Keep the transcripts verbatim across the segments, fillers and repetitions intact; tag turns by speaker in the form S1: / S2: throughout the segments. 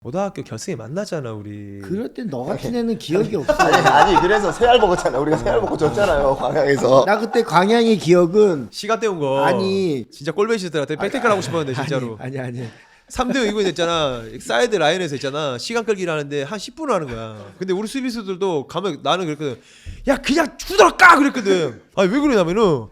S1: 고등학교 결승에 만나잖아 우리.
S2: 그럴 땐 너 같은 애는 기억이 없어.
S3: 아니, 아니 그래서 새알 먹었잖아. 우리가 새알 먹고 졌잖아요 광양에서.
S2: 나 그때 광양의 기억은
S1: 시간 때운 거.
S2: 아니.
S1: 진짜 꼴배시더라. 백태클 하고 싶었는데 진짜로.
S2: 아니 아니. 아니.
S1: 삼 대 영 이거 있잖아. 사이드 라인에서 있잖아. 시간 끌기를 하는데 한 십 분을 하는 거야. 근데 우리 수비수들도 가면 나는 그랬거든. 야 그냥 후드러 까 그랬거든. 아니 왜 그러냐면은.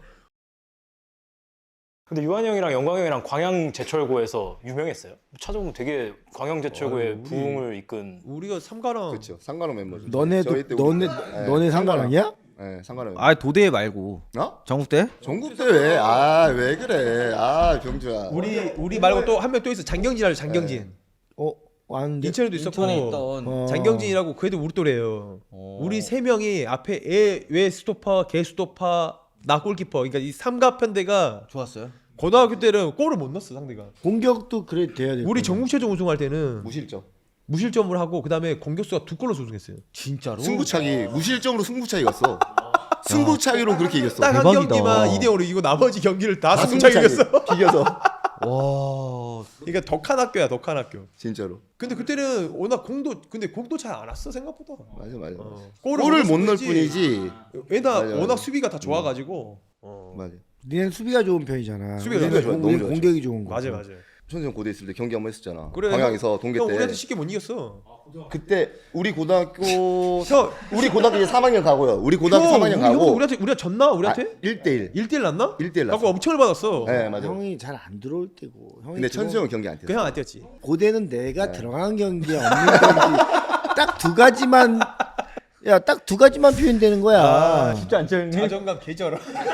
S4: 근데 유한이 형이랑 영광 형이랑 광양 제철고에서 유명했어요. 찾아보면 되게 광양 제철고의
S1: 아, 우리-
S4: 부흥을 이끈.
S1: 우리가 삼가랑.
S3: 그렇죠. 상관없 멤버죠.
S2: 너네도
S3: 저희 때
S2: 너네
S3: 우리- 네,
S2: 너네 상관이야?
S3: 네, 상관없.
S5: 아 도대 말고
S3: 어?
S5: 전국대?
S3: 전국 대회. 아, 왜 그래? 아, 병주야.
S1: 우리 우리 말고 또 한 명 또 있어. 장경진 알죠? 장경진.
S2: 어 왔는데.
S1: 인천에도 있었고.
S5: 인천에 있던
S2: 어.
S1: 장경진이라고 그래도 우리 또래예요.
S5: 어.
S1: 우리 세 명이 앞에 애, 외 스토퍼, 개 스토퍼, 나 골키퍼. 그러니까 이 삼가편대가
S5: 좋았어요.
S1: 고등학교 때는 골을 못 넣었어 상대가.
S2: 공격도 그래 돼야 돼.
S1: 우리 전국체전 우승할 때는
S3: 무실점.
S1: 무실점을 하고 그다음에 공격수가 두 골로 우승했어요.
S5: 진짜로?
S3: 승부차기. 무실점으로 승부차기 갔어. 승부차기로 그렇게 이겼어.
S1: 딱 한
S5: 대박이다.
S1: 경기만 이 대 영으로 이기고 나머지 경기를 다
S3: 다
S1: 승부차기
S3: 승부차기.
S1: 이겼어.
S3: 비겨서.
S5: 와.
S1: 그러니까 덕한 학교야 덕한 학교.
S3: 진짜로.
S1: 근데 그때는 워낙 공도 근데 공도 잘 안 왔어 생각보다.
S3: 맞아, 맞아. 맞아.
S1: 어.
S3: 골을 못 넣을
S1: 뿐이지.
S3: 뿐이지.
S1: 왜냐
S3: 맞아, 맞아.
S1: 워낙 수비가 다 좋아가지고. 어.
S3: 맞아.
S2: 니네 수비가 좋은 편이잖아.
S1: 수비가
S2: 우리는
S3: 좋아,
S2: 공-
S3: 너무
S2: 우리는
S3: 좋아.
S2: 공격이 좋은 거.
S1: 맞아 맞아.
S3: 천수형 고대 있을 때 경기 한번 했었잖아.
S1: 그래,
S3: 광양에서 동계
S1: 형
S3: 때.
S1: 우리한테 쉽게 못 이겼어.
S3: 그때 우리 고등학교
S1: 형
S3: 우리 고등학교 이제 삼 학년 가고요. 우리 고등학교
S1: 형,
S3: 삼 학년
S1: 우리 형도
S3: 가고.
S1: 우리한테 우리가 졌나 우리한테?
S3: 일 대 일.
S1: 일 대 일 났나?
S3: 일 대 일 났어.
S1: 갖고 엄청을 받았어.
S3: 네, 맞아.
S2: 형이 잘 안 들어올 때고. 형이
S3: 근데
S2: 들어오-
S3: 천수형은 경기 안 뛰었어.
S1: 그 형 안 뛰었지.
S2: 고대는 내가
S3: 네.
S2: 들어간 경기에 없는 경기 딱 두 가지만 야 딱 두 가지만 표현되는 거야.
S1: 아,
S5: 진짜 안 쩔니?
S1: 자존감 개쩔어.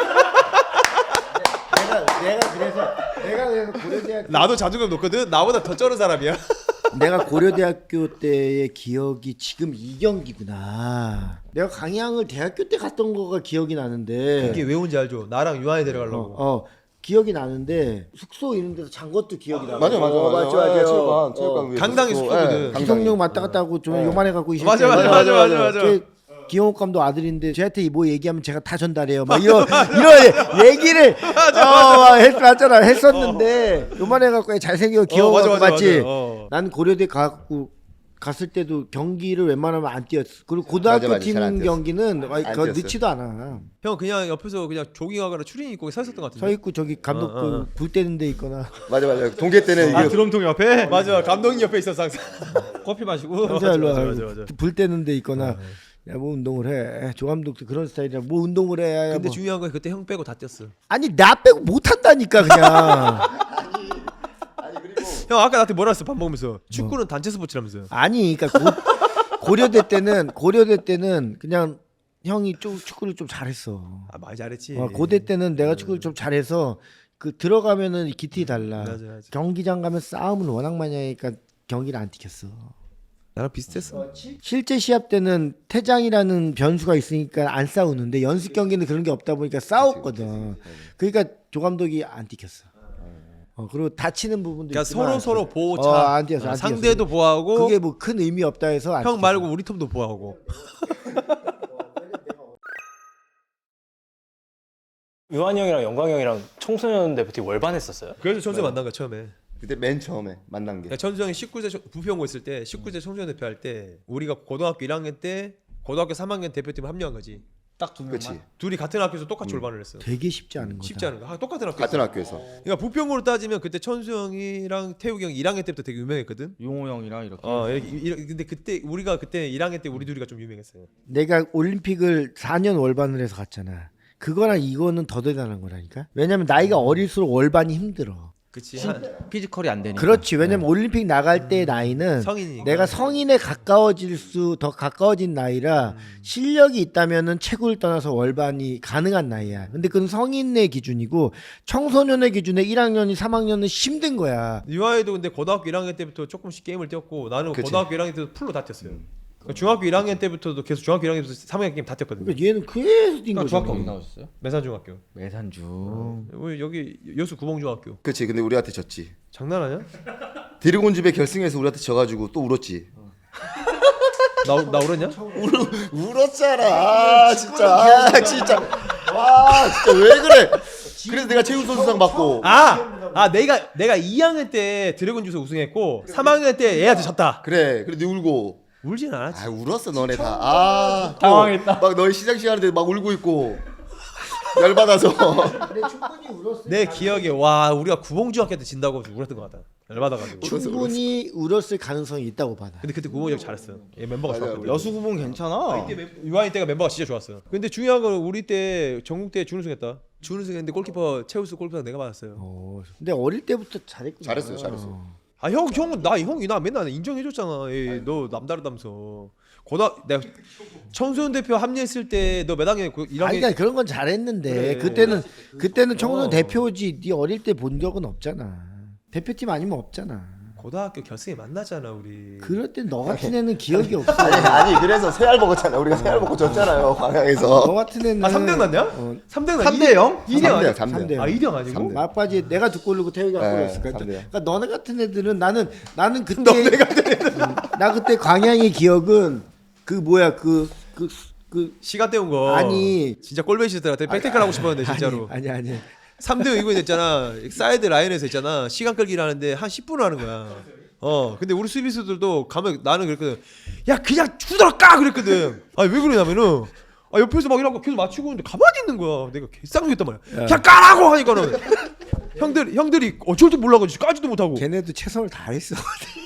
S2: 내가 내가 그래서 내가 그래서 고려대학
S1: 나도 자존감 높거든. 나보다 더 쩔은 사람이야.
S2: 내가 고려대학교 때의 기억이 지금 이 경기구나. 내가 강양을 대학교 때 갔던 거가 기억이 나는데.
S1: 이게 왜 온지 알죠? 나랑 유한이 데려가려고.
S2: 어, 어 기억이 나는데 숙소 이런 데서 잔 것도 기억이 나.
S3: 맞아, 맞아,
S2: 어,
S3: 맞아.
S2: 맞죠, 맞죠.
S3: 체육관, 체육관 위에서
S1: 강당이
S3: 숙소.
S1: 숙소거든.
S3: 예, 강당이.
S2: 기성용 왔다 갔다 하고 좀 요만해 갖고 이
S1: 맞아,
S2: 새끼.
S1: 맞아, 맞아, 맞아, 맞아.
S2: 제 기영옥 감독 아들인데 저한테 뭐 얘기하면 제가 다 전달해요. 막 이런 이런 얘기를 어, 했, 맞잖아 했었는데 요만해 갖고 잘생겨 기영옥
S1: 맞아,
S2: 감독
S1: 맞아,
S2: 맞지?
S1: 맞아. 어.
S2: 난 고려대 가고 갔을 때도 경기를 웬만하면 안 뛰었어. 그리고 고등학교
S3: 맞아, 맞아. 잘안
S2: 팀
S3: 뛰었어.
S2: 경기는 아, 그거
S3: 뛰었어요.
S2: 늦지도 않아.
S1: 형 그냥 옆에서 그냥 조깅하거나 추리닝 입고 서 있었던 것 같은데.
S2: 서 있고 저기 감독
S1: 어, 어, 어.
S2: 그 불 때는 데 있거나.
S3: 맞아, 맞아. 동계 때는
S1: 아
S3: 이게
S1: 드럼통 옆에? 맞아. 감독님 옆에 있었어 항상.
S5: 커피 마시고.
S2: 혼자 일로
S1: 맞아,
S2: 와.
S1: 맞아, 맞아.
S2: 불 때는 데 있거나. 야 뭐 운동을 해. 조 감독도 그런 스타일이야. 뭐 운동을 해. 야,
S1: 근데
S2: 뭐.
S1: 중요한 건 그때 형 빼고 다 뛰었어.
S2: 아니 나 빼고 못 한다니까 그냥.
S1: 형 아까 나한테 뭐라 했어 밥 먹으면서. 축구는 단체 스포츠라면서.
S2: 아니 그러니까 고, 고려대 때는 고려대 때는 그냥 형이 좀 축구를 좀 잘했어.
S1: 아 많이 잘했지.
S2: 어, 고대 때는 내가 축구를 좀 잘해서 그 들어가면은 기틀이 달라.
S1: 맞아, 맞아.
S2: 경기장 가면 싸움을 워낙 많이 하니까 경기를 안 뛰겠어.
S1: 나랑 비슷했어.
S2: 실제 시합 때는 퇴장이라는 변수가 있으니까 안 싸우는데 연습 경기는 그런 게 없다 보니까 싸웠거든. 그러니까 조 감독이 안 뛰겠어. 어, 그리고 다치는 부분도
S1: 그러니까
S2: 있지만
S1: 서로 서로 보호차.
S2: 어, 안 뛰었어,
S1: 어,
S2: 안
S1: 상대도
S2: 뛰었어.
S1: 보호하고.
S2: 그게 뭐 큰 의미 없다 해서 안
S1: 형
S2: 뛰겠어.
S1: 말고 우리 팀도 보호하고.
S4: 유한이 형이랑 영광 형이랑 청소년 대표팀 월반했었어요.
S1: 그래서 천수 만난 거야 처음에.
S3: 그때 맨 처음에 만난 게.
S1: 그러니까 천수 형이 십구 세 부평고 있을 때 십구 세 청소년 대표 할 때 우리가 고등학교 일 학년 때 고등학교 삼 학년 대표팀에 합류한 거지.
S5: 딱 두 명만.
S3: 그렇지.
S1: 둘이 같은 학교에서 똑같이 졸반을 했어.
S2: 되게 쉽지 않은 거다.
S1: 쉽지 않은 거. 아, 똑같은 학교.
S3: 같은 학교에서.
S1: 그러니까 부평으로 따지면 그때 천수 형이랑 태욱이 형이 일 학년 때부터 되게 유명했거든.
S5: 용호 형이랑 이렇게.
S1: 어, 이렇게, 이렇게 근데 그때 우리가 그때 일 학년 때 우리 둘이가 좀 유명했어요.
S2: 내가 올림픽을 사 년 월반을 해서 갔잖아. 그거랑 이거는 더 대단한 거라니까. 왜냐면 나이가 어릴수록 월반이 힘들어.
S1: 그치.
S5: 신- 피지컬이 안 되니까.
S2: 그렇지. 왜냐면 올림픽 나갈 때 나이는
S1: 성인이니까.
S2: 내가 성인에 가까워질 수 더 가까워진 나이라 실력이 있다면은 체구를 떠나서 월반이 가능한 나이야. 근데 그건 성인의 기준이고 청소년의 기준에 일 학년이 삼 학년은 힘든 거야.
S1: 유아이도 근데 고등학교 일 학년 때부터 조금씩 게임을 뛰었고 나는
S3: 그치.
S1: 고등학교 일 학년 때부터 풀로 다 뛰었어요. 그러니까 중학교 일 학년 때부터도 계속 중학교 일 학년 때부터 삼 학년 게임 다 뛰었거든요.
S2: 그러니까 얘는 계속 뛴
S5: 그러니까
S2: 거잖아.
S5: 중학교 어디 나오셨어요?
S1: 매산중학교.
S5: 매산중.
S1: 우리 여기 여수 구봉중학교.
S3: 그렇지. 근데 우리한테 졌지.
S1: 장난하냐?
S3: 드래곤 집에 결승에서 우리한테 져가지고 또 울었지.
S1: 나, 나 울었냐?
S3: 울었잖아. 아, 진짜. 아, 진짜. 와, 진짜 왜 그래? 그래서 내가 최우 선수상 받고.
S1: 아, 아 내가 내가 이 학년 때 드래곤 주스 우승했고 삼 학년 때 얘한테 졌다.
S3: 그래. 그래 너 울고.
S1: 울진 않았지.
S3: 아 울었어 너네 다. 아
S4: 당황했다.
S3: 막 너희 시작 시간인데 막 울고 있고 열받아서.
S2: 근데 충분히 울었을
S1: 내 기억에 와 우리가 구봉중학교 때 진다고 울었던 것 같다. 열받아가지고.
S2: 충분히 울었을 가능성이 있다고 봐. 나.
S1: 근데 그때 구봉이 형 잘했어. 얘 멤버가
S3: 맞아,
S1: 좋았거든.
S3: 맞아.
S5: 여수 구봉 괜찮아.
S1: 유아인 때가 멤버가 진짜 좋았어. 근데 중요한 건 우리 때 전국 때 준우승했다. 준우승했는데 골키퍼 최우수 골키퍼 내가 받았어요.
S2: 어, 근데 어릴 때부터 잘했구나.
S3: 잘했어요, 잘했어.
S1: 아 형 형은 나 형이 나 맨날 인정해줬잖아. 에이, 너 남다르다면서. 고등 내가 청소년 대표 합류했을 때 너 몇 학년? 일 학년.
S2: 아니, 그러니까 그런 건 잘했는데
S1: 그래.
S2: 그때는 그때는 청소년
S1: 어.
S2: 대표지. 네 어릴 때 본 적은 없잖아. 대표팀 아니면 없잖아.
S1: 고등학교 결승에 만나잖아 우리.
S2: 그럴 땐 너 같은 애는 기억이 없어.
S3: 아니 그래서 새알 먹었잖아. 우리가 새알 먹고 졌잖아요.
S2: 너
S3: 광양에서.
S2: 같은 애는
S1: 아 삼 대 영 났냐?
S2: 어,
S1: 삼 대 영
S5: 삼 대 영?
S1: 이 대 영 아니야?
S3: 삼 대 영.
S2: 삼 대 영.
S1: 아 이 대 영 아니고?
S3: 삼 대 영.
S2: 막바지 내가 두 골 넣고 태우가
S3: 네,
S2: 골 넣었을까?
S3: 삼 대 영.
S2: 그러니까 너네 같은 애들은 나는 나는 그때 음, 나 그때 광양의 기억은 그 뭐야 그 그 그
S1: 시간 때운 거.
S2: 아니.
S1: 진짜 꼴배시더라. 백태클 하고 싶었는데 진짜로.
S2: 아니 아니 아니.
S1: 삼 대 영 이거 됐잖아. 사이드 라인에서 있잖아. 시간 끌기를 하는데 한 십 분을 하는 거야. 어. 근데 우리 수비수들도 가면 나는 그랬거든. 야 그냥 주더라 까 그랬거든. 아니 왜 그러냐면은 아 옆에서 막 이러고 계속 맞추고 있는데 가만히 있는 거야. 내가 개쌍욕했단 말이야. 그냥 까라고 하니까는 형들 형들이 어쩔 줄 몰라가지고 까지도 못하고.
S2: 걔네도 최선을 다했어.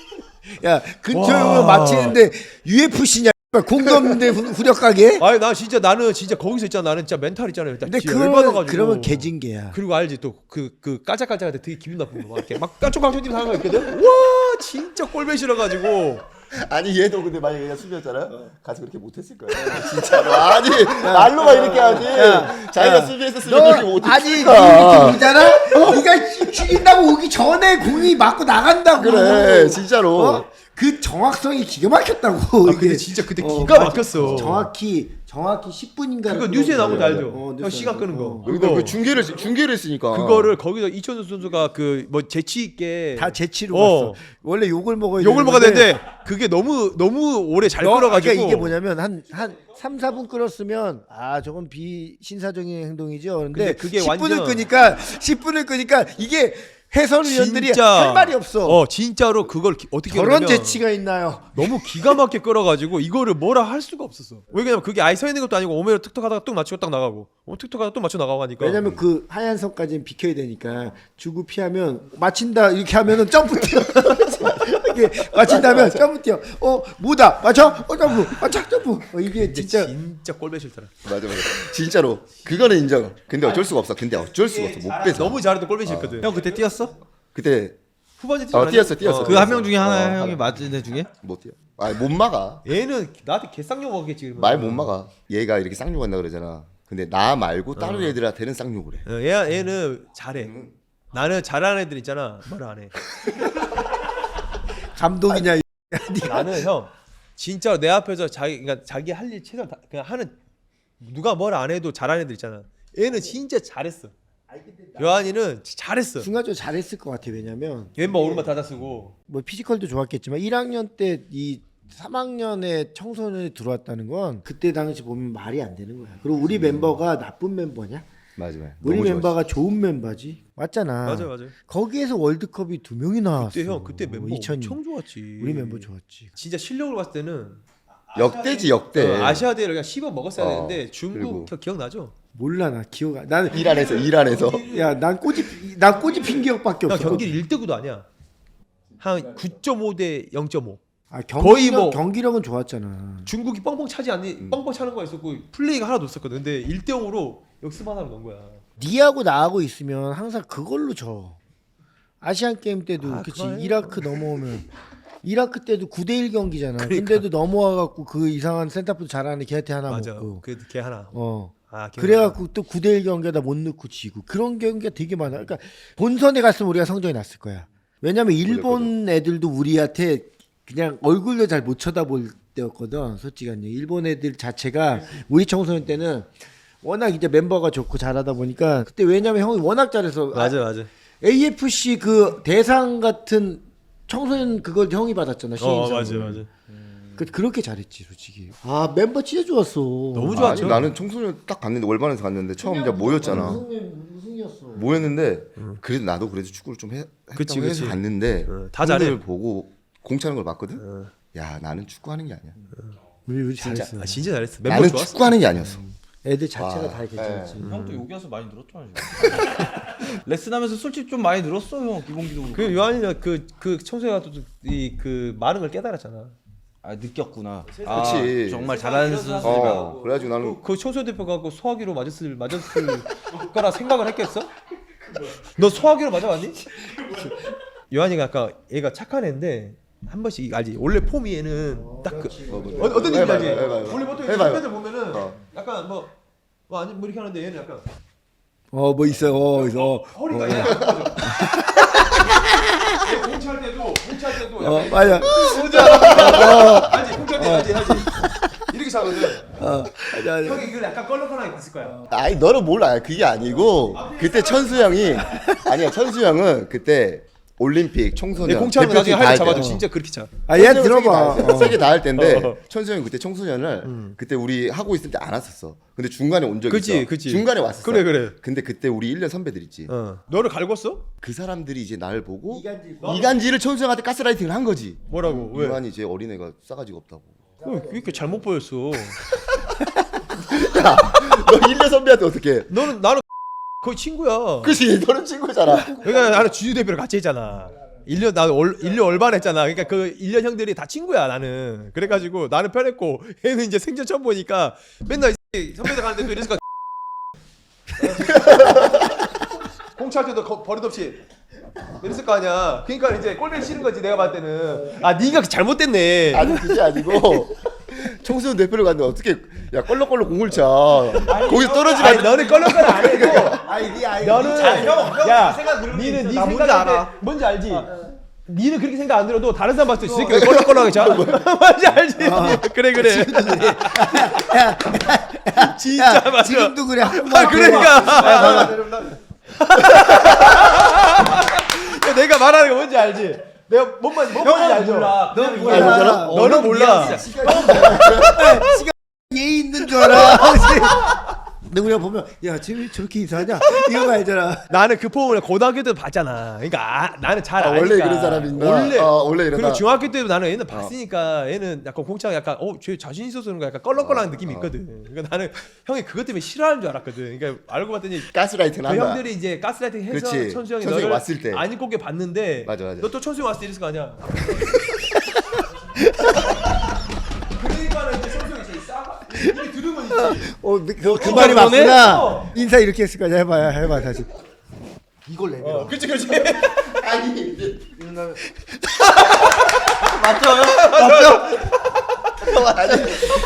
S2: 야 근처에
S1: 와.
S2: 오면 맞히는데 유에프씨냐? 공도 없는데 후- 후려 가게?
S1: 아니 나 진짜 나는 진짜 거기서 있잖아. 나는 진짜 멘탈 있잖아요.
S2: 근데
S1: 진짜
S2: 그러면
S1: 열받아가지고.
S2: 그러면 개징계야.
S1: 그리고 알지 또 그 그 깔짝깔짝할 때 되게 기분 나쁜 거 막 이렇게 막 깜짝깜짝 뛰는 사람 있거든. 와 진짜 꼴배 싫어가지고.
S3: 아니 얘도 근데 만약에 얘가 수비였잖아요. 가서 그렇게 못했을 거야. 진짜로. 아니 말로만 이렇게 하지. 자기가 수비했었으면 그렇게 못했을
S2: 아니
S3: 거야.
S2: 그 있잖아. 네가 죽인다고 오기 전에 공이 맞고 나간다고.
S3: 그래 진짜로.
S2: 어? 그 정확성이 기가 막혔다고.
S1: 아 근데
S2: 이게.
S1: 진짜 그때
S2: 어,
S1: 기가
S2: 맞아.
S1: 막혔어.
S2: 정확히 정확히 십 분인가.
S1: 그거 뉴스에 나온 거 알죠?
S2: 어,
S1: 형
S2: 뉴스에
S1: 시간
S2: 나온
S1: 끄는 거.
S2: 거.
S3: 여기다
S1: 그거
S3: 그 중계를 중계를 했으니까.
S1: 그거를 거기서 이천수 선수가 그 뭐 재치 있게
S2: 다 재치로
S1: 어.
S2: 봤어. 원래 욕을 먹어야
S1: 욕을 먹어야
S2: 되는데
S1: 되는데 그게 너무 너무 오래 잘
S2: 너-
S1: 끌어가지고.
S2: 그러니까 이게 뭐냐면 한 한 삼, 사 분 끌었으면 아 저건 비신사적인 행동이죠. 근데,
S1: 근데 그게
S2: 십 분을
S1: 완전-
S2: 끄니까 십 분을 끄니까 이게 해설위원들이
S1: 진짜
S2: 할 말이 없어.
S1: 어 진짜로 그걸 기, 어떻게
S2: 저런
S1: 그러냐면
S2: 재치가 있나요?
S1: 너무 기가 막히게 끌어가지고 이거를 뭐라 할 수가 없었어. 왜냐면 그게 아예 서 있는 것도 아니고 오메로 툭툭하다가 뚝 맞추고 딱 나가고, 어 툭툭하다가 뚝 맞춰 나가고 하니까.
S2: 왜냐면 그 하얀 선까지는 비켜야 되니까 주고 피하면 맞힌다 이렇게 하면은 점프 뛰어. 이게 맞힌다면 점프 뛰어. 어 뭐다 맞춰? 어 점프 맞춰 점프. 어, 이게
S1: 근데
S2: 진짜
S1: 진짜 꼴배 싫더라.
S3: 맞아 맞아. 진짜로. 그거는 인정. 근데 어쩔 수가 없어. 근데 어쩔 수가 없어. 못 빼서.
S1: 너무 잘해도 꼴배 싫거든.
S5: 형 그때 뛰었어?
S3: 그때
S1: 후반에
S3: 어, 뛰었어, 뛰었어.
S5: 그 한 명 중에 하나
S3: 어,
S5: 형이
S3: 하나.
S5: 맞은 애 중에?
S3: 못 뛰어. 아못 막아.
S1: 얘는 나한테 개쌍욕 먹겠지.
S3: 말 못 막아. 얘가 이렇게 쌍욕한다 그러잖아. 근데 나 말고 다른 애들한테는 쌍욕을 해.
S1: 어, 얘 얘는 잘해. 나는 잘하는 애들 있잖아. 말 안 해.
S2: 감독이냐? 이-
S1: 나는 형 진짜 내 앞에서 자기 그러니까 자기 할 일 최선 다 그냥 하는 누가 뭘 안 해도 잘하는 애들 있잖아. 얘는 진짜 잘했어. 요한이는 잘했어.
S2: 순간적으로 잘했을 것 같아. 왜냐면
S1: 멤버 오른발 닫아 쓰고.
S2: 뭐 피지컬도 좋았겠지만 일 학년 때 이 삼 학년에 청소년이 들어왔다는 건 그때 당시 보면 말이 안 되는 거야. 그리고 우리 멤버가 나쁜 멤버냐?
S3: 맞아 맞아.
S2: 우리
S3: 너무
S2: 멤버가 좋은 멤버지. 맞잖아.
S1: 맞아 맞아.
S2: 거기에서 월드컵이 두 명이 나왔어.
S1: 그때 형 그때 멤버
S2: 이천이.
S1: 엄청 좋았지.
S2: 우리 멤버 좋았지.
S1: 진짜 실력으로 봤을 때는
S3: 좋았어. 역대지 역대.
S1: 어, 아시아 대회를 그냥 씹어 먹었어야
S3: 어,
S1: 되는데 중국
S3: 그리고.
S1: 기- 기억나죠?
S2: 몰라 나 기억 안. 나는
S3: 일 안에서 일 안에서.
S2: 야난 꼬집 난 꼬집힌 기억밖에
S1: 형
S2: 없어.
S1: 경기를 일 대 구도 아니야. 한 구 점 오 대 영 점 오.
S2: 아,
S1: 거의
S2: 경기력,
S1: 뭐-
S2: 경기력은 좋았잖아.
S1: 중국이 뻥뻥 차지 않니?
S3: 음.
S1: 뻥뻥 차는 거 있었고 플레이가 하나도 없었거든. 근데 일 대 영으로 역습 하나로 넣은 거야.
S2: 니하고 나하고 있으면 항상 그걸로 져. 아시안 게임 때도
S1: 아,
S2: 그치.
S1: 그거예요.
S2: 이라크 넘어오면 이라크 때도 구 대 일 경기잖아.
S1: 그러니까.
S2: 근데도 넘어와 갖고 그 이상한 센터포드 잘하는 걔한테 하나
S1: 맞아.
S2: 먹고.
S1: 그걔 하나.
S2: 어.
S1: 아, 기억나.
S2: 그래갖고 또 구 대 일 경기에다 못 넣고 지고 그런 경기가 되게 많아. 그러니까 본선에 갔으면 우리가 성적이 났을 거야. 왜냐면 일본 애들도 우리한테 그냥 얼굴도 잘 못 쳐다볼 때였거든. 솔직히 한 일본 애들 자체가 우리 청소년 때는 워낙 이제 멤버가 좋고 잘하다 보니까 그때 왜냐면 형이 워낙 잘해서
S1: 맞아 맞아.
S2: 에이에프씨 그 대상 같은 청소년 그걸 형이 받았잖아.
S1: 어
S2: 시인상을.
S1: 맞아 맞아.
S2: 그, 그렇게 잘했지 솔직히. 아 멤버 진짜 좋았어.
S1: 너무 좋았죠.
S3: 아니, 나는 청소년 딱 갔는데 월반에서 갔는데 처음 이제 모였잖아.
S2: 우승이었어.
S3: 모였는데 그래도 나도 그래도 축구를 좀 해, 했다고
S1: 그치,
S3: 해서
S1: 그치.
S3: 갔는데
S1: 어, 다 잘해.
S3: 형들 보고 공차는 걸 봤거든. 야 나는 축구하는 게 아니야.
S2: 우리 우리 잘했어.
S1: 아, 진짜 잘했어. 멤버
S3: 나는
S1: 좋았어.
S3: 축구하는 게 아니었어.
S2: 애들 자체가
S3: 와.
S2: 다 괜찮았지.
S5: 형도 여기 와서 많이 늘었잖아 지금. 레슨하면서 솔직히 좀 많이 늘었어 형 기본기도 그렇고.
S1: 그 요한이가 그 그 청소가 또이그 많은 걸 깨달았잖아.
S5: 아 느꼈구나.
S3: 그치.
S5: 아, 정말 잘하는 선수들이
S3: 어 그래가지고 나는
S1: 그 청소 대표가 갖고 소화기로 맞았을 맞았을 거라 생각을 했겠어? 너 소화기로 맞아봤니? 요한이가 아까 얘가 착한 애인데 한 번씩 알지? 원래 폼이 얘는 딱그 어, 어떤 느낌인지
S3: 해봐요,
S1: 알지?
S3: 해봐요.
S1: 원래 보통
S3: 해봐요.
S1: 선배들 보면은
S3: 어.
S1: 약간 뭐, 뭐 아니 뭐 이렇게 하는데 얘는 약간
S2: 어 뭐 있어요. 어 있어.
S1: 허리가 이렇게 안 얘 공차할 때도 공차할 때도
S2: 어
S1: 약간
S2: 맞아.
S1: 뭔지 알아? 알지? 공차할 때 알지? 알지? 이렇게 차거든.
S2: 어 맞아. 맞아.
S1: 형이 이걸 약간 껄렁껄렁하게 봤을 거야.
S3: 아니 너는 몰라. 그게 아니고 그때 천수 형이 아니야. 천수 형은 그때 올림픽 청소년
S1: 얘 공차하면 나중에
S3: 대표팀 다
S1: 하이를
S3: 할
S1: 잡아도
S3: 때야.
S1: 진짜 그렇게 차.
S2: 아얘 들어봐.
S3: 세개 다 할 때인데
S1: 어.
S3: 천수 형이 그때 청소년을 그때 우리 하고 있을 때 안 왔었어. 근데 중간에 온 적이
S1: 그치,
S3: 있어.
S1: 그치.
S3: 중간에 왔었어.
S1: 그래, 그래.
S3: 근데 그때 우리 일 년 선배들 있지.
S1: 어. 너를 갈궜어?
S3: 그 사람들이 이제 날 보고
S2: 이간질.
S3: 이간질을 천수 형한테 가스라이팅을 한 거지.
S1: 뭐라고? 왜?
S3: 유한이 제 어린애가 싸가지가 없다고.
S1: 왜 이렇게 잘못 보였어?
S3: 야, 너 일 년 선배한테 어떻게 해?
S1: 너는 나는 거의 친구야.
S3: 그치, 너는 친구잖아.
S1: 그러니까 나는 주주 대표랑 같이 했잖아. 일 년 나 일 년 얼반 했잖아. 그러니까 그 일 년 형들이 다 친구야 나는. 그래가지고 나는 편했고 얘는 이제 생전 처음 보니까 맨날 이 선배들 가는데 또 이랬을 거. 공차할 때도 거- 버릇없이 이랬을 거 아니야. 그러니까 이제 꼴보기 싫은 거지 내가 봤을 때는. 아 네가 잘못됐네.
S3: 아니 그게 아니고 청소년 대표를 갔는데 어떻게 야 껄렁껄렁 공을 차. 거기 떨어지면
S1: 아니 너는 껄렁껄렁 안 해도
S2: 아이 네 아이.
S1: 너는 야 니는 네
S5: 나 뭔지
S1: 생각할 때
S5: 알아.
S1: 뭔지 알지? 니는 그렇게 생각 안 들어도 다른 사람 봤을 때 이 새끼 왜 껄렁껄렁하게 자? 뭔지 알지? 그래 그래. 진짜 맞아.
S2: 지금도 그래.
S1: 아 그러니까. 야, 내가 말하는 거 뭔지 알지? 내가 뭔 말인지 뭔 말인지 알죠?
S2: 넌
S3: 몰라.
S2: 몰라.
S1: 너는 몰라.
S2: 얘 있는 줄 알아. 근데 우리가 보면 야 쟤왜 저렇게 이상하냐 이거 말잖아.
S1: 나는 그 폼을 고등학교 때도 봤잖아. 그러니까 아, 나는 잘
S3: 아,
S1: 아니까.
S3: 원래 그런 사람인가?
S1: 원래
S3: 아, 원래 이러다.
S1: 그리고 중학교 때도 나는 얘는 봤으니까 얘는 약간 공차가 약간 어쟤 자신 있어서 그런 거 약간 껄렁껄렁한 느낌이 있거든. 그러니까 나는 형이 그것 때문에 싫어하는 줄 알았거든. 그러니까 알고 봤더니
S3: 가스라이팅
S1: 그
S3: 한다.
S1: 형들이 이제 가스라이팅 해서
S3: 그렇지.
S1: 천수 형이
S3: 천수 형이
S1: 너를
S3: 왔을 때.
S1: 안 입고 봤는데
S3: 맞아, 맞아.
S1: 너 또 천수 형 왔을 때 이랬을 거 아니야. 그러니까는 이제 천수 형이 제일 싸가 이게 들은 건 있지.
S2: 어그 그
S1: 어,
S2: 말이
S1: 그러네?
S2: 맞구나.
S1: 어.
S2: 인사 이렇게 했을 거야. 해봐야 해봐 다시. 이걸 내밀어.
S1: 어, 그렇지 그렇지.
S3: 아니 이제 아니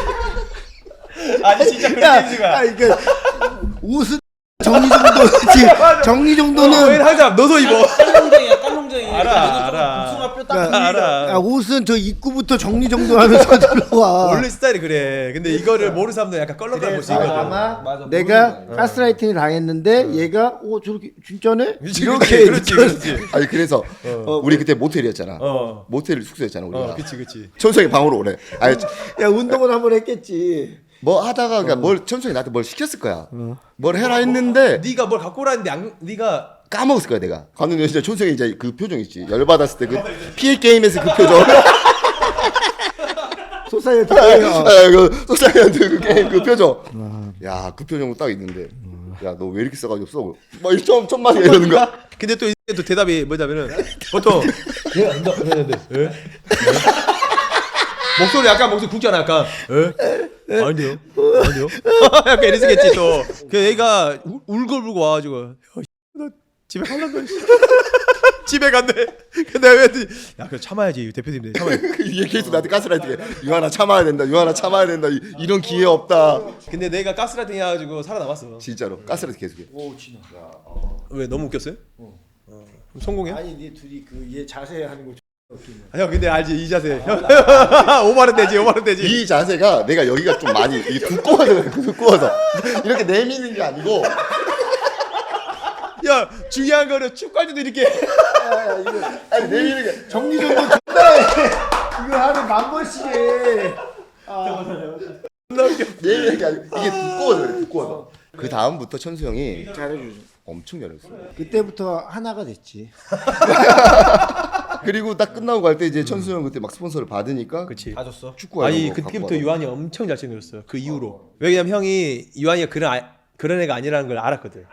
S1: 아니 진짜
S2: 야,
S1: 그렇게 해주가.
S2: 아 이게 옷은 정리 정도지. 정리
S1: 왜
S2: 정도는.
S1: 항상 너도 입어.
S5: 깔롱쟁이야 깔롱쟁이.
S1: 알아, 알아.
S5: 복숭아 뼈
S2: 야,
S5: 딱.
S1: 알아.
S2: 야, 옷은 저 입구부터 정리 정도하면서 들어와.
S1: 원래 스타일이 그래. 근데 이거를 모르는 사람들 약간 껄렁껄렁 볼수 있거든.
S2: 아마
S5: 맞아,
S2: 내가 가스라이팅을 당했는데 얘가 오 저렇게 진짜네?
S1: 그렇지,
S2: 이렇게
S1: 그렇지 그렇지.
S3: 아니 그래서 우리 그때 모텔이었잖아.
S1: 어.
S3: 모텔 숙소였잖아 우리가.
S1: 어, 그치 그치.
S3: 천수 형이 방으로 오래. 아니
S2: 야 운동은 한번 했겠지.
S3: 뭐 하다가 그러니까 뭘 천수 형이 나한테 뭘 시켰을 거야. 뭘 해라 했는데
S1: 네가 뭘 갖고 오라는데 안, 네가
S3: 까먹었을 거야 내가. 갔는데 진짜 천수 형이 이제 그 표정 있지. 열 받았을 때 그 피엘 게임에서 그 표정.
S2: 소사이어티.
S3: 아, 그 소사이언트 그 게임 그 표정. 야 그 표정으로 딱 있는데. 야 너 왜 이렇게 싸가지고 써? 막 이렇게 좀 천만 이러는 거야.
S1: 근데 또, 이 또 대답이 뭐냐면은 보통 얘가 안다 했는데 에? 목소리 약간 목소리 굵잖아 약간 에? 아닌데요? 아닌데요? 약간 이랬겠지 또. 그 애가 울- 울고불고 와가지고 야, 나 집에 갈란다. 집에 간대. 근데 왜? 야 그래 참아야지 대표님들 참아야.
S3: 이 얘기해서 나한테 가스라이팅. 유한아 참아야 된다. 유한아 참아야 된다. 이, 이런 기회 없다.
S1: 근데 내가 가스라이팅 해가지고 살아남았어.
S3: 진짜로 가스라이팅 계속해.
S1: 왜 너무 웃겼어요? 어. 그럼 성공해?
S2: 아니 네 둘이 그 얘 자세 하는 거.
S1: 아, 형 근데 알지 이 자세. 형 오만원 되지 오만원 되지.
S3: 이 자세가 내가 여기가 좀 많이 이게 두꺼워서 그래, 두꺼워서 이렇게 내미는 게 아니고
S1: 야 중요한 거는 축구할 때도 이렇게.
S3: 아니 내미는 게
S2: 정리 정도 존나 해. 이거 하루 만 번씩 해.
S3: 내 얘기 아니고 이게 두꺼워서 그래 두꺼워서. 그 다음부터 천수 형이
S2: 잘해주죠.
S3: 엄청 잘했어.
S2: 그때부터 하나가 됐지.
S3: 그리고 딱 끝나고 갈 때 이제 천수 형 그때 막 스폰서를 받으니까
S1: 그치.
S5: 다 줬어.
S3: 축구
S1: 아니
S3: 하려고
S1: 그때부터
S3: 갖고
S1: 유한이 엄청 잘 챙겼어요. 그 이후로. 왜냐면 형이 유한이가 그런 아, 그런 애가 아니라는 걸 알았거든.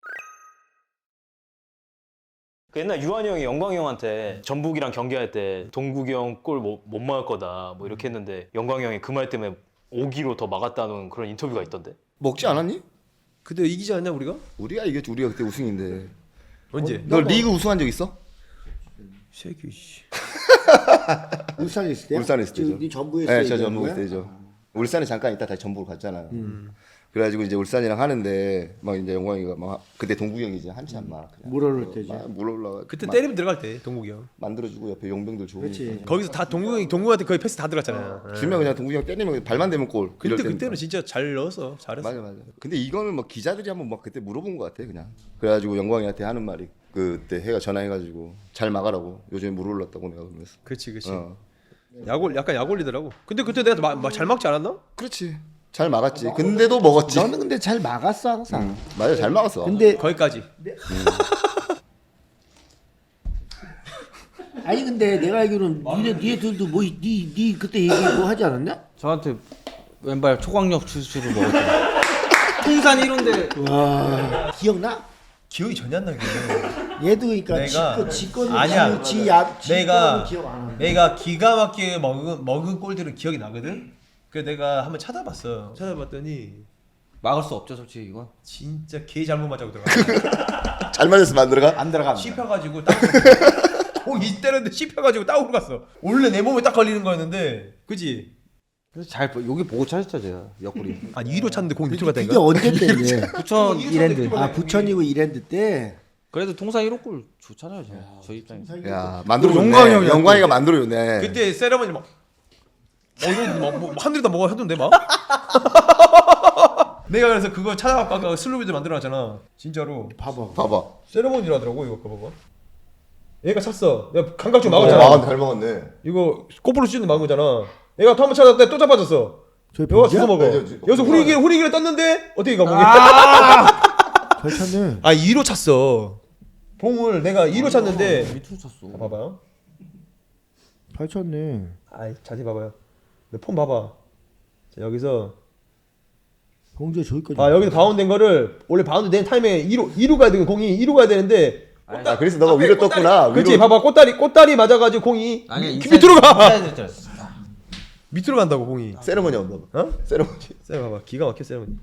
S4: 그 옛날 유한이 형이 영광이 형한테 전북이랑 경기할 때 동국이 형 골 못 못 막을 거다 뭐 이렇게 했는데 영광이 형이 그 말 때문에 오 기로 더 막았다는 그런 인터뷰가 있던데.
S3: 먹지 않았니?
S1: 그때 이기지 않냐 우리가?
S3: 우리가 이겼지. 우리가 그때 우승인데.
S1: 언제?
S3: 너 리그 우승한 적 있어?
S1: 새끼 씨.
S2: 울산에 있을 때?
S3: 울산에 있을 때죠.
S2: 네 전부에
S3: 네, 저 전북 있을 때죠. 울산에 잠깐 있다 다시 전북으로 갔잖아요.
S2: 음.
S3: 그래가지고 이제 울산이랑 하는데 막 이제 영광이가 막 그때 동국이 형이 이제 한참 막 그냥
S2: 물 올릴 때지.
S3: 막 물 올라가
S1: 그때
S3: 막
S1: 때리면 들어갈 때 동국이 형.
S3: 만들어주고 옆에 용병들 좋으니까
S2: 그렇지.
S1: 거기서 다 동국이 형이 동국한테 거의 패스 다 들어갔잖아요.
S3: 주면 그냥 동국이 형 때리면 발만 대면 골.
S1: 그때
S3: 이럴 때니까.
S1: 그때는 진짜 잘 넣었어. 잘했어.
S3: 맞아 맞아. 근데 이거는 막 기자들이 한번 막 그때 물어본 것 같아 그냥. 그래가지고 영광이한테 하는 말이 그때 해가 전화해가지고 잘 막아라고. 요즘에 물 올랐다고 내가 그러면서.
S1: 그렇지 그렇지.
S3: 어.
S1: 약올 약간 약 올리더라고. 근데 그때 내가 마, 마, 잘 막지 않았나?
S3: 그렇지. 잘 막았지. 근데도 먹었지.
S2: 너는 근데 잘 막았어 항상.
S3: 음, 맞아 잘 막았어.
S2: 근데
S1: 거기까지.
S2: 아니 근데 내가 알기로는 니네 니네들도 뭐니니 그때 얘기 뭐 하지 않았냐?
S5: 저한테 왼발 초강력 추수를 먹었죠. 통산 일 호인데
S2: 와 기억나?
S1: 기억이 전혀 안 나게.
S2: 얘도 그러니까
S1: 내가-
S2: 지 거는
S1: 아니야.
S2: 지야
S1: 내가
S2: 기억 안 하는.
S1: 내가 기가 막히게 먹은 먹은 골들은 기억이 나거든. 그래서 내가 한번 찾아봤어. 찾아봤더니
S5: 막을 수 없죠 솔직히 이건.
S1: 진짜 개 잘못 맞아고 들어가.
S3: 잘 맞았으면 안 들어가?
S5: 안 들어갑니다.
S1: 씹혀가지고 딱. 공이 때렸는데 씹혀가지고 다운으로 갔어. 원래 내 몸에 딱 걸리는 거였는데, 그지?
S5: 그래서 잘 보- 여기 보고 찾았죠 제가 옆구리.
S1: 아니 위로 찼는데 공이 밑으로
S2: 그게
S1: 갔다니까.
S2: 언제 때인데?
S5: 부천 이랜드.
S2: 아 부천이고 이랜드 때.
S5: 그래도 통산 일 호 골 좋잖아요 제가. 저 입장에서.
S3: 야 만들어줬네.
S5: 영광이 형이야,
S3: 영광이가 만들어줬네.
S1: 그때 세레머니 막, 어 이거 막 뭐, 한 대다 먹어 하던데 막. 내가 그래서 그거 찾아갖고 아까 슬로비드 만들어놨잖아. 진짜로.
S2: 봐봐.
S3: 봐봐.
S1: 세레머니라더라고 이거 그거 봐봐. 얘가 찼어. 내가 감각 좀
S3: 아,
S1: 막았잖아.
S3: 잘 먹었네.
S1: 이거 꼬불로 찢는 막은 거잖아. 얘가 또 한 번 찾았는데 또 잡아줬어.
S2: 저기
S1: 여기가
S2: 보이냐?
S1: 주워 먹어.
S3: 네, 저, 저,
S1: 여기서
S3: 저,
S1: 후리기를 후리기를 떴는데 어떻게 가보니?
S2: 잘 찼네.
S1: 아 이 로 찼어. 봉을 내가 이 로 찼는데
S5: 밑으로 쳤어.
S1: 봐봐요.
S2: 잘 찼네.
S1: 아이 자세히 봐봐요. 내 폰 봐봐. 자 여기서
S2: 공주에 저기까지.
S1: 아 여기서 바운드 된 거를 원래 바운드 된 타임에 이 로 이 로 가야 되는 공이 이 로 가야 되는데
S3: 아 그래서 너가 위로 떴구나.
S1: 그렇지
S3: 위로.
S1: 봐봐 꽃다리 꽃다리 맞아가지고 공이
S5: 아니
S1: 미, 밑으로 가
S5: 인사이드
S1: 밑으로 간다고 공이.
S3: 세레머니 온다.
S1: 어?
S3: 세레머니.
S1: 세 봐봐 기가 막혀 세레머니.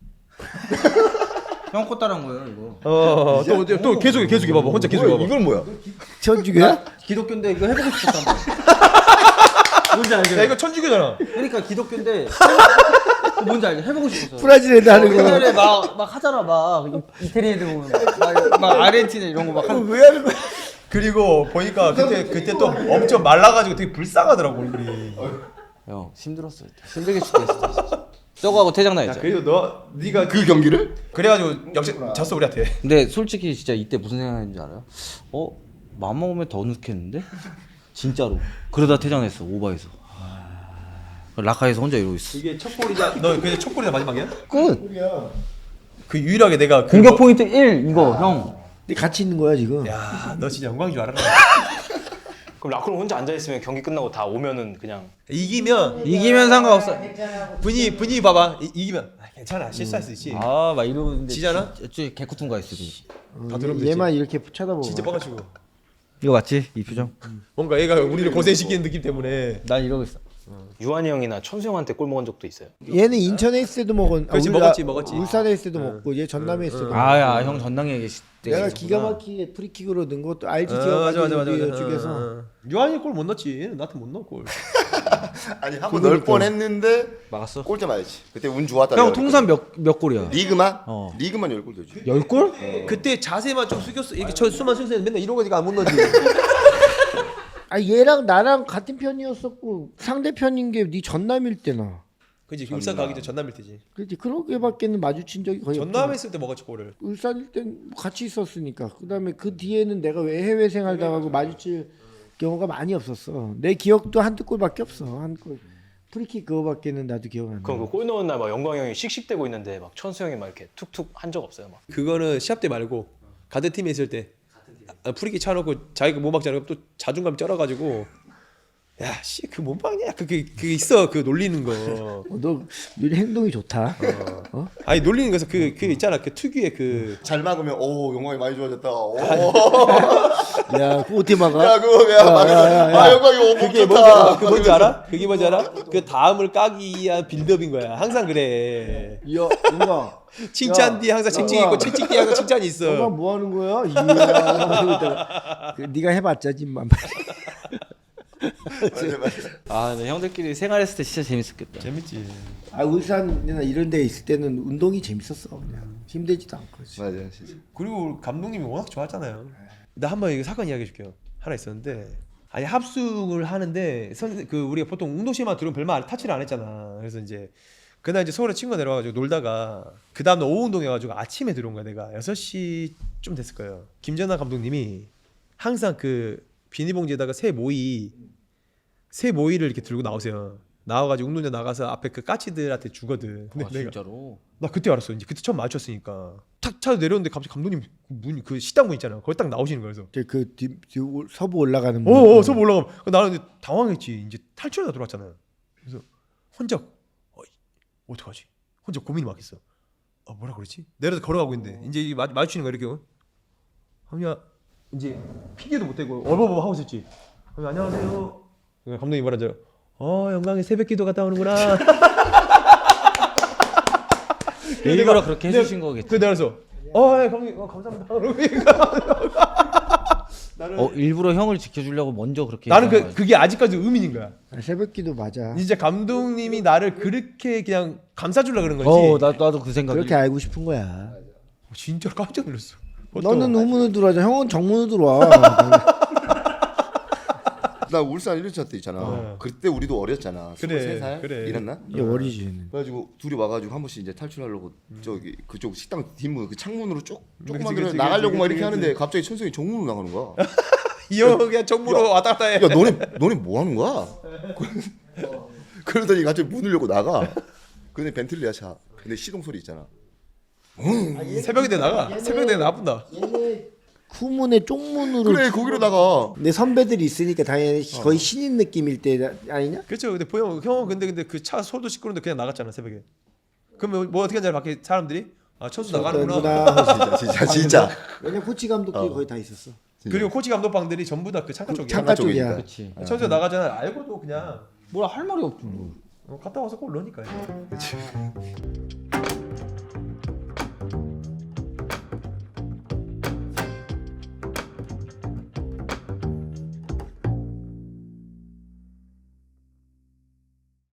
S5: 형 꽃다란 거예요 이거.
S1: 어또또 또, 또 계속해 계속해 봐봐 혼자 계속해 봐봐.
S3: 이건 뭐야?
S2: 천주교야?
S5: 기독교인데 이거 해보고 싶었단 말이야. 뭔지 알죠?
S1: 야 이거 천주교잖아.
S5: 그러니까 기독교인데 뭔지 알죠? 해보고 싶었어.
S2: 브라질 애들 하는 거.
S5: 옛날에 막, 막 하잖아 막 이- 이태리 애들 보면 막, 막 아르헨티나 이런 거 막 한.
S2: 왜 하는 거야?
S1: 그리고 보니까 그때 그때 또 엄청 말라가지고 되게 불쌍하더라고 얼굴이.
S5: 형 힘들었어. 힘들게 죽겠어. 진짜. 저거하고 퇴장 나
S1: 야
S5: 있죠.
S1: 그래도 너 네가
S3: 그 경기를?
S1: 그래가지고 역시 졌어 우리한테.
S5: 근데 솔직히 진짜 이때 무슨 생각했는지 알아요? 어? 맘 먹으면 더 넣겠는데? 진짜로. 그러다 퇴장했어 오바에서. 아... 라카에서 혼자 이러고 있어.
S1: 이게 첫 골이자 너 그게 첫 골이자 마지막이야?
S5: 끝.
S1: 그 유일하게 내가 그
S5: 공격
S1: 뭐-
S5: 포인트 일 이거 형.
S2: 네 같이 있는 거야 지금.
S1: 야, 너 진짜 영광인 줄 알았나?
S4: 그럼 라크론 혼자 앉아 있으면 경기 끝나고 다 오면은 그냥
S1: 이기면
S5: 이기면 상관없어.
S1: 분위 분위 봐봐. 이, 이기면 아, 괜찮아 실수할 수 있지.
S5: 아 막 이러는데.
S1: 지잖아?
S5: 저 개쿠tun가 있어. 지금.
S1: 다 들으면 되지.
S2: 얘만 이렇게 쳐다보고.
S1: 진짜 뻐가지고
S5: 이거 맞지? 이 표정.
S1: 뭔가 얘가 우리를 고생시키는 느낌 때문에.
S5: 난 이러고 있어.
S4: 유한이 형이나 천수 형한테 골 먹은 적도 있어요.
S2: 얘는 인천에 있을 때도 먹은.
S1: 그렇지,
S2: 울-
S1: 먹었지,
S2: 아,
S1: 먹었지.
S2: 울산에 있을 때도 먹고 얘 전남에 있을 때도. 먹고.
S5: 아야 형 전당에 계실 때.
S2: 내가 기가 막히게 프리킥으로 넣은 것도 알지
S1: 어,
S2: 기가
S1: 맞아 맞아 맞아.
S2: 막히게
S1: 맞아.
S2: 쪽에서.
S1: 어, 어. 유한이 골 못 넣었지. 얘는 나한테 못 넣어 골.
S3: 아니 한 번 넣을 뻔했는데
S5: 막았어.
S3: 골대 맞았지. 그때 운 좋았다.
S5: 형
S3: 내가
S5: 통산 몇 몇 골이야?
S3: 리그만?
S5: 어.
S3: 리그만 열 골 되지.
S5: 열 골?
S1: 그때 자세만 좀 숙였어. 이렇게 저 수만 숙였는데 맨날 이러고 가지고 안 못 넣지.
S2: 아 얘랑 나랑 같은 편이었었고 상대편인 게 네 전남일 때나.
S1: 그지 울산 가기 전 전남일 때지.
S2: 그렇지 그렇게밖에는 마주친 적이 거의
S1: 전남에
S2: 없잖아.
S1: 있을 때 먹었지 골을.
S2: 울산일 땐 같이 있었으니까. 그다음에 그 뒤에는 내가 왜 해외 생활 당하고 마주칠 경우가 많이 없었어. 내 기억도 한두 골밖에 없어. 한 골. 프리킥 그거밖에는 나도 기억 안 나.
S4: 그럼 그 골 넣은 날 막 영광 형이 씩씩대고 있는데 막 천수 형이 막 이렇게 툭툭 한 적 없어요? 막.
S1: 그거는 시합 때 말고 같은 팀에 있을 때 아, 프리킥 차놓고 자기가 못 막잖아. 또 자존감 쩔어가지고 야씨 그 몸빵이야 그게 그 있어 그 놀리는 거.
S2: 어, 너 요즘 행동이 좋다. 어?
S1: 아니 놀리는 거에서 그 그 있잖아 그 특유의 그
S3: 잘 막으면 오 영광이 많이 좋아졌다. 오.
S2: 야, 그거 어떻게 막아?
S3: 야 그거 야 막으면 아 영광이 오
S1: 그게 뭔지 알아? 그 뭔지 알아? 그게 뭔지 알아? 그 다음을 까기 위한 빌드업인 거야. 항상 그래.
S2: 야, 뭔가
S1: 칭찬 뒤에 항상 칭칭이 있고 칭칭 뒤에 항상 칭찬이
S2: 너가
S1: 있어.
S2: 뭐 하는 거야? 이야. 그, 네가 해봤자 짐만.
S3: 맞아 맞아.
S5: 아, 근데 형들끼리 생활했을 때 진짜 재밌었겠다.
S1: 재밌지.
S2: 아, 울산이나 이런 데 있을 때는 운동이 재밌었어. 그냥 힘들지도 않고.
S3: 맞아 진짜.
S1: 그리고 감독님이 워낙 좋았잖아요. 나 한번 이거 사건 이야기해 줄게요. 하나 있었는데 아니 합숙을 하는데 선 그 우리가 보통 운동실만 들으면 별말 안- 타치를 안 했잖아. 그래서 이제 그날 이제 서울에 친구가 내려와가지고 놀다가 그 다음날 오후 운동해가지고 아침에 들어온 거야. 내가 여섯 시쯤 됐을 거예요. 김전환 감독님이 항상 그 비닐봉지에다가 새 모이 새 모이를 이렇게 들고 나오세요. 나와가지고 운동장 나가서 앞에 그 까치들한테 주거든. 근데
S5: 아,
S1: 내가
S5: 진짜로?
S1: 나 그때 알았어. 이제 그때 처음 마주쳤으니까 탁 차 내렸는데 갑자기 감독님 문 그 식당 문 있잖아. 거기 딱 나오시는 거예요. 그래서
S2: 그 뒤, 뒤, 올- 서부 올라가는
S1: 어, 어, 서부 올라가면 나는 이제 당황했지. 이제 탈출하다 들어왔잖아요. 그래서 혼자 어, 어떡하지? 혼자 고민이 막 있어. 어, 뭐라 그러지? 내려서 걸어가고 있는데 이제 이 마, 마주치는 거야 이렇게. 하면 이제 피디도 못 대고 얼버버 하고 있었지. 하면 안녕하세요. 감독님 뭐라 하죠? 어, 영광의 새벽기도 갔다 오는구나.
S5: 일부러 그렇게 해주신 거겠지.
S1: 그 내가 그래서 어, 예, 감독님 어, 감사합니다. 나는
S5: 어, 일부러 형을 지켜주려고 먼저 그렇게.
S1: 나는 그
S5: 얘기한 거야.
S1: 그게 아직까지 의미인 거야.
S2: 아, 새벽기도 맞아.
S1: 진짜 감독님이 나를 그렇게 그냥 감싸주려 그런 거지.
S5: 어, 나 나도 그 생각이.
S2: 그렇게 알고 싶은 거야.
S1: 진짜 깜짝 놀랐어.
S2: 너는 우문으로 들어와자. 형은 정문으로 들어와.
S3: 나 울산 일 년차 때 있잖아.
S1: 어.
S3: 그때 우리도 어렸잖아.
S1: 그래,
S3: 스물세 살
S1: 그래.
S3: 이랬나?
S2: 이게 어리지.
S3: 그래가지고 둘이 와가지고 한 번씩 이제 탈출하려고 저기 그쪽 식당 뒷문 그 창문으로 쭉 조금만
S1: 그치,
S3: 들어
S1: 그치,
S3: 나가려고
S1: 그치,
S3: 막
S1: 그치,
S3: 이렇게
S1: 그치.
S3: 하는데 갑자기 천성이 정문으로 나가는 거야.
S1: 이 형 그냥 정부로 왔다 갔다 해.
S3: 야 너네 너네 뭐 하는 거야? 그러더니 갑자기 문을 열고 나가. 근데 벤틀리야 차. 근데 시동 소리 있잖아.
S1: 새벽에 나가. 새벽에 나쁜다.
S2: 얘네 후문에 쪽문으로.
S3: 그래 거기로 나가.
S2: 내 선배들이 있으니까 당연히 거의 신인 느낌일 때 아니냐?
S1: 그렇죠. 근데 보영 형은 근데 근데 그 차 소도 시끄러운데 그냥 나갔잖아 새벽에. 그러면 뭐 어떻게 하냐 밖에 사람들이 아 천수 나가는구나.
S2: 나가는구나.
S3: 진짜 진짜 진짜.
S2: 왜냐 코치 감독들이 거의 다 있었어.
S1: 그리고 코치 감독방들이 전부 다 그 창가 쪽이야.
S2: 창가 쪽이야.
S5: 그렇지.
S1: 천수 나가잖아. 알고도 그냥
S5: 뭐라 할 말이 없지 뭐.
S1: 어, 갔다 와서 골 넣으니까요. 그렇지.